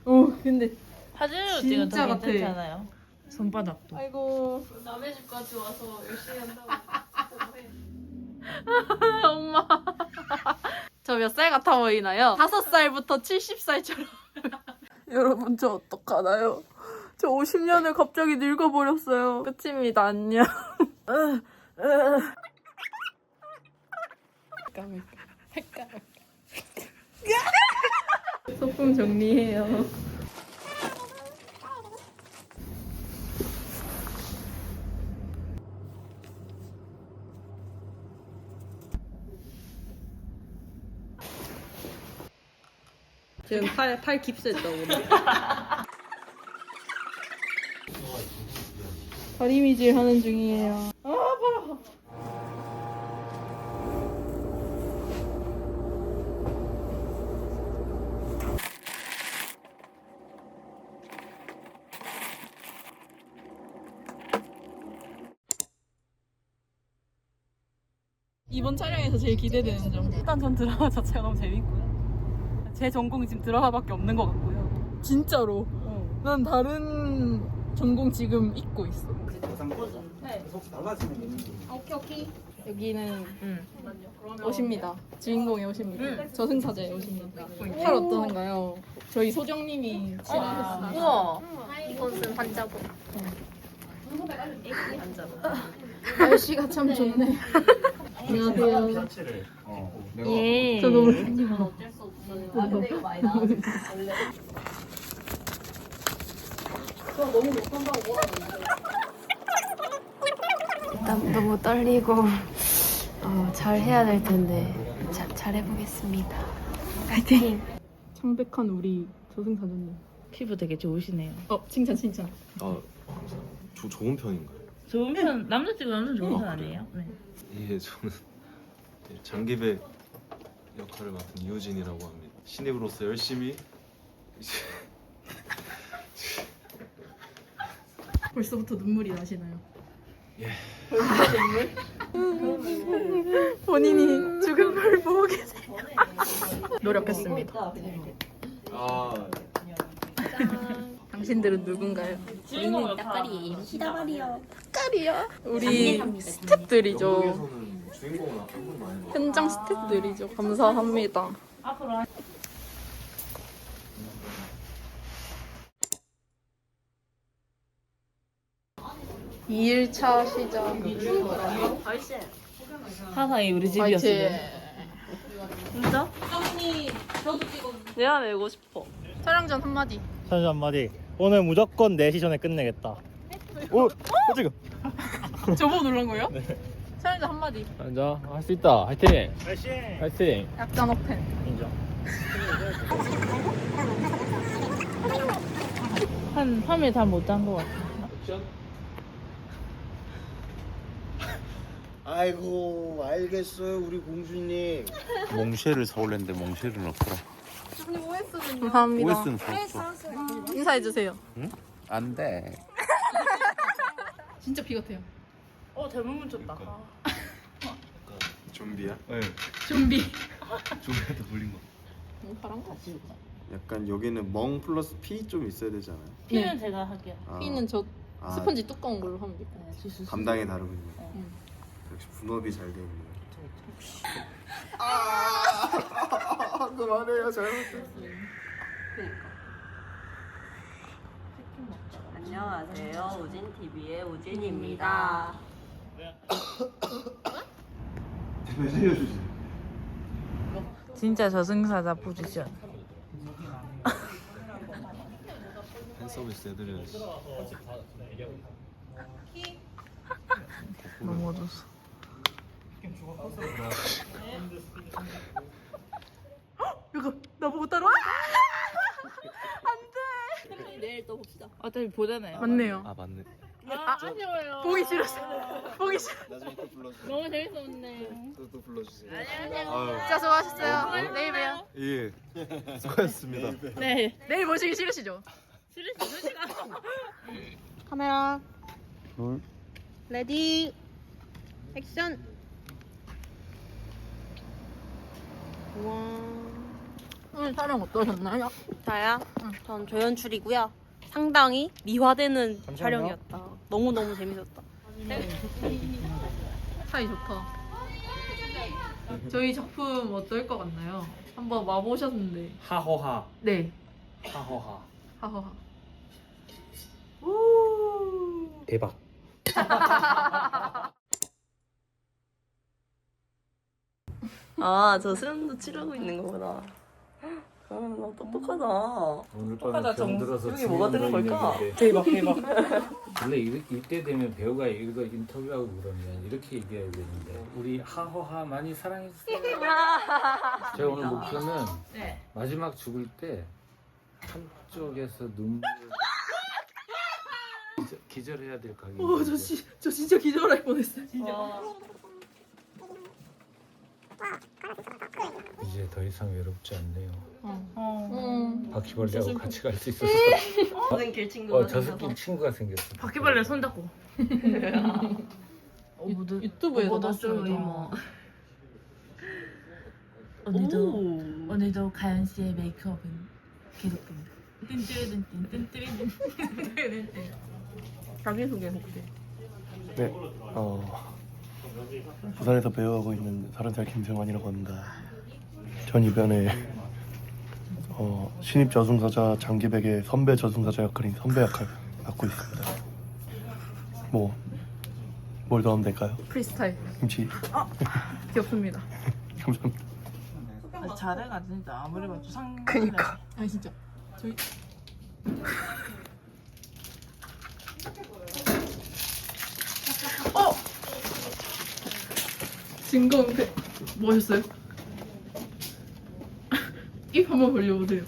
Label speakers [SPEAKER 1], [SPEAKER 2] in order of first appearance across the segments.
[SPEAKER 1] 근데
[SPEAKER 2] 사진으로
[SPEAKER 1] 진짜
[SPEAKER 2] 찍으면 더
[SPEAKER 1] 같아.
[SPEAKER 2] 괜찮잖아요. 손바닥도.
[SPEAKER 1] 아이고
[SPEAKER 3] 남의 집까지 와서 열심히 한다고.
[SPEAKER 1] 엄마. 저 몇 살 같아 보이나요? 5살부터 70살처럼. 여러분 저 어떡하나요? 저 50년을 갑자기 늙어버렸어요. 끝입니다. 안녕. 소품 정리해요. 지금 팔 깁스했다고. 다리미질 하는 중이에요. 아, 아파. 이번 촬영에서 제일 기대되는 점. 일단 전 드라마 자체가 너무 재밌고요. 제 전공이 지금 드라마밖에 없는 것 같고요. 진짜로. 난 다른 전공 지금 잊고 있어. 네. 오케이. 여기는 옷입니다. 주인공의 옷입니다. 저승사자의 옷입니다. 팔 어떠는가요? 저희 소정님이 칠하셨습니다.
[SPEAKER 2] 우와.
[SPEAKER 3] 이것은 환자복.
[SPEAKER 1] 날씨가 참 좋네. 안녕하세요.
[SPEAKER 2] 예.
[SPEAKER 1] 저 너무
[SPEAKER 3] 어쩔 수 없어요. 안대가 많이 나왔는데 원래.
[SPEAKER 4] 일단 너무 떨리고 잘 해야 될 텐데 잘 해보겠습니다. 파이팅!
[SPEAKER 1] 창백한 우리 저승사자님.
[SPEAKER 2] 피부 되게 좋으시네요.
[SPEAKER 1] 칭찬.
[SPEAKER 5] 좋은 편인가요?
[SPEAKER 2] 좋은 편, 남자친구 완전 좋은 편 아니에요? 네.
[SPEAKER 5] 예, 저는 장기배 역할을 맡은 이우진이라고 합니다. 신입으로서 열심히
[SPEAKER 1] 벌써부터 눈물이 나시나요?
[SPEAKER 5] 예.
[SPEAKER 1] 본인이 죽은 걸 보고 계세요. 노력했습니다. 당신들은 누군가요?
[SPEAKER 2] 주인공 역할이
[SPEAKER 3] 히다바리요.
[SPEAKER 1] 우리 스태프들이죠.
[SPEAKER 5] 한국에서는 주인공은 한분 많이 봐.
[SPEAKER 1] 현장 스태프들이죠. 감사합니다.
[SPEAKER 2] 앞으로 한
[SPEAKER 1] 2일차 시작.
[SPEAKER 2] 사사히 우리
[SPEAKER 1] 파이팅.
[SPEAKER 2] 집이었어요. 진짜?
[SPEAKER 1] 내가 내고 싶어. 촬영 전 한마디.
[SPEAKER 6] 선수 한마디. 오늘 무조건 4시 전에 끝내겠다. 오! 지금.
[SPEAKER 1] 저보고 놀란 거예요? 네. 촬영 전 한마디.
[SPEAKER 7] 앉아. 할 수 있다. 화이팅.
[SPEAKER 6] 파이팅!
[SPEAKER 7] 화이팅.
[SPEAKER 1] 약간 오펜.
[SPEAKER 6] 인정.
[SPEAKER 2] 한 3일 다 못 잔 것 같아.
[SPEAKER 8] 아이고 알겠어요 우리 공주님.
[SPEAKER 7] 몽쉐를 사올랬는데 몽쉐를 넣더라.
[SPEAKER 1] 감사합니다.
[SPEAKER 7] OS는 좋았어.
[SPEAKER 1] 인사해주세요.
[SPEAKER 7] 안 돼.
[SPEAKER 1] 진짜 비 같아요.
[SPEAKER 2] 대문 쳤다.
[SPEAKER 5] 좀비야? 네.
[SPEAKER 1] 좀비.
[SPEAKER 5] 좀비한테 물린 거.
[SPEAKER 1] 너무 파란 거.
[SPEAKER 8] 약간 여기는 멍 플러스 피 좀 있어야 되잖아요.
[SPEAKER 2] 피는 제가 할게요.
[SPEAKER 1] 피는 저
[SPEAKER 8] 아,
[SPEAKER 1] 스펀지 두꺼운 걸로 하면 돼.
[SPEAKER 8] 감당이 다르군요.
[SPEAKER 1] 응.
[SPEAKER 8] 역시 분업이 잘 돼 있네요. 그만해요 잘못했어요.
[SPEAKER 3] 안녕하세요. 우진 TV의 우진입니다.
[SPEAKER 8] 제발 살려주세요.
[SPEAKER 2] 진짜 저승사자 포지션.
[SPEAKER 5] 팬 서비스 해드려야지.
[SPEAKER 2] 너무 어두웠어.
[SPEAKER 1] 이거 나보고 따라와?
[SPEAKER 3] 내일 또 봅시다.
[SPEAKER 2] 어차피 보잖아요.
[SPEAKER 1] 맞네요.
[SPEAKER 5] 아 맞네.
[SPEAKER 2] 아쉬워요.
[SPEAKER 1] 보기 싫었어. 보기 싫어.
[SPEAKER 8] 나중에 또 불러주세요.
[SPEAKER 2] 너무 재밌었네.
[SPEAKER 8] 또 불러주세요.
[SPEAKER 2] 안녕하세요.
[SPEAKER 1] 진짜 수고하셨어요. 내일 봬요.
[SPEAKER 5] 예. 수고하셨습니다.
[SPEAKER 2] 네.
[SPEAKER 1] 내일 모시기 싫으시죠?
[SPEAKER 2] 싫으시가.
[SPEAKER 1] 카메라. 레디. 액션. 와. 오늘 촬영 어떠셨나요?
[SPEAKER 4] 저요? 전 조연출이고요. 상당히 미화되는
[SPEAKER 6] 잠시만요.
[SPEAKER 4] 촬영이었다. 너무너무 재밌었다.
[SPEAKER 1] 사이 좋다. 저희 작품 어떨 것 같나요? 한번 와보셨는데.
[SPEAKER 6] 하호하.
[SPEAKER 1] 네.
[SPEAKER 6] 하호하.
[SPEAKER 1] 하하하.
[SPEAKER 6] 대박.
[SPEAKER 4] 아, 저 수련도 치르고 있는 거구나. 아, 나 똑똑하다.
[SPEAKER 9] 오늘 밤에 병 들어서
[SPEAKER 4] 여기 뭐가 뜨는 걸까?
[SPEAKER 1] 대박 대박.
[SPEAKER 9] 원래 이때 되면 배우가 이거 인터뷰하고 그러면 이렇게 얘기해야 되는데 우리 하호하 많이 사랑해주세요. 제가 오늘 목표는
[SPEAKER 1] 네.
[SPEAKER 9] 마지막 죽을 때 한쪽에서 눈물 기절해야 될 각이
[SPEAKER 1] 저 진짜 기절할 뻔했어요. 진짜.
[SPEAKER 9] 이제 더 이상 외롭지 않네요.
[SPEAKER 1] 어.
[SPEAKER 9] 바퀴벌레하고 같이 갈 수 있어서
[SPEAKER 4] 선생길 친구가
[SPEAKER 9] 저승길 친구가 생겼어.
[SPEAKER 2] 바퀴벌레 손잡고.
[SPEAKER 1] 유튜브에서
[SPEAKER 2] 봤어요.
[SPEAKER 1] 봤어요.
[SPEAKER 2] 오늘도 가연 씨의 메이크업은 계속됩니다. 뜬뜨르든뜬 뜬뜨르든.
[SPEAKER 1] 자기소개 혹시.
[SPEAKER 10] 네, 부산에서 배우하고 있는 30살 김승환이라고 합니다. 전 이번에 신입 저승사자 장기백의 선배 저승사자 역할인 선배 역할 맡고 있습니다. 뭘 더 하면 될까요?
[SPEAKER 1] 프리스타일.
[SPEAKER 10] 김치.
[SPEAKER 1] 귀엽습니다.
[SPEAKER 10] 감사합니다.
[SPEAKER 2] 잘해가 진짜 아무리 봐도 상.
[SPEAKER 1] 그니까. 아니 진짜. 저희. 증거 은폐. 뭐 하셨어요? 입 한번 벌려보세요.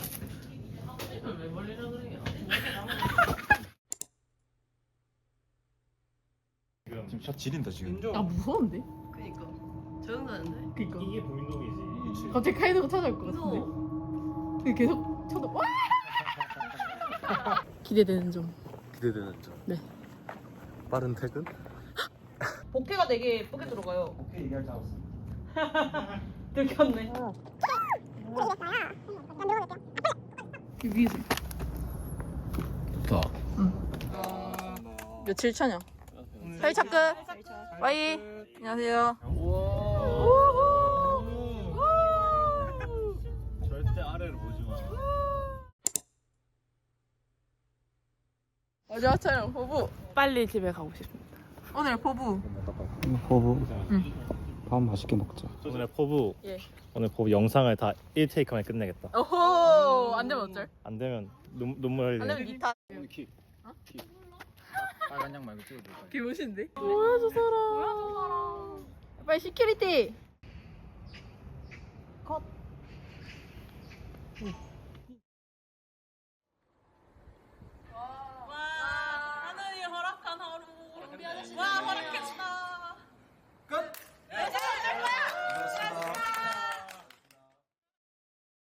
[SPEAKER 5] 지금 샷 지린다 지금.
[SPEAKER 1] 아 무서운데?
[SPEAKER 4] 그니까. 조용하는데?
[SPEAKER 1] 그니까.
[SPEAKER 6] 이게 보인동이지.
[SPEAKER 1] 갑자기 카이드가 찾아올 것 같은데. 근데 계속 쳐다. 와! 기대되는 점.
[SPEAKER 5] 기대되는 점.
[SPEAKER 1] 네.
[SPEAKER 5] 빠른 퇴근?
[SPEAKER 1] 복회가 되게 예쁘게 들어가요.
[SPEAKER 6] 오케이 얘기할 줄 알았어.
[SPEAKER 1] 들켰네. 이 위에서.
[SPEAKER 9] 좋다.
[SPEAKER 1] 며칠 차냐? 4일차 끝. 빠이. 안녕하세요.
[SPEAKER 5] 절대 아래를 보지 마.
[SPEAKER 1] 마지막 촬영 포부.
[SPEAKER 2] 빨리 집에 가고 싶습니다.
[SPEAKER 1] 오늘 포부.
[SPEAKER 10] 호부.
[SPEAKER 5] 밥 맛있게 먹자.
[SPEAKER 6] 오늘 포부.
[SPEAKER 1] 예.
[SPEAKER 6] 오늘 포부 영상을 다 1테이크 만에 끝내겠다.
[SPEAKER 1] 오호. 안 되면 어쩔?
[SPEAKER 6] 안 되면 눈물
[SPEAKER 1] 안
[SPEAKER 6] 흘려.
[SPEAKER 1] 되면 니타.
[SPEAKER 5] 빨간 양 말고 찍어줘.
[SPEAKER 1] 개멋인데? 뭐야 저 사람. 빨리 시큐리티.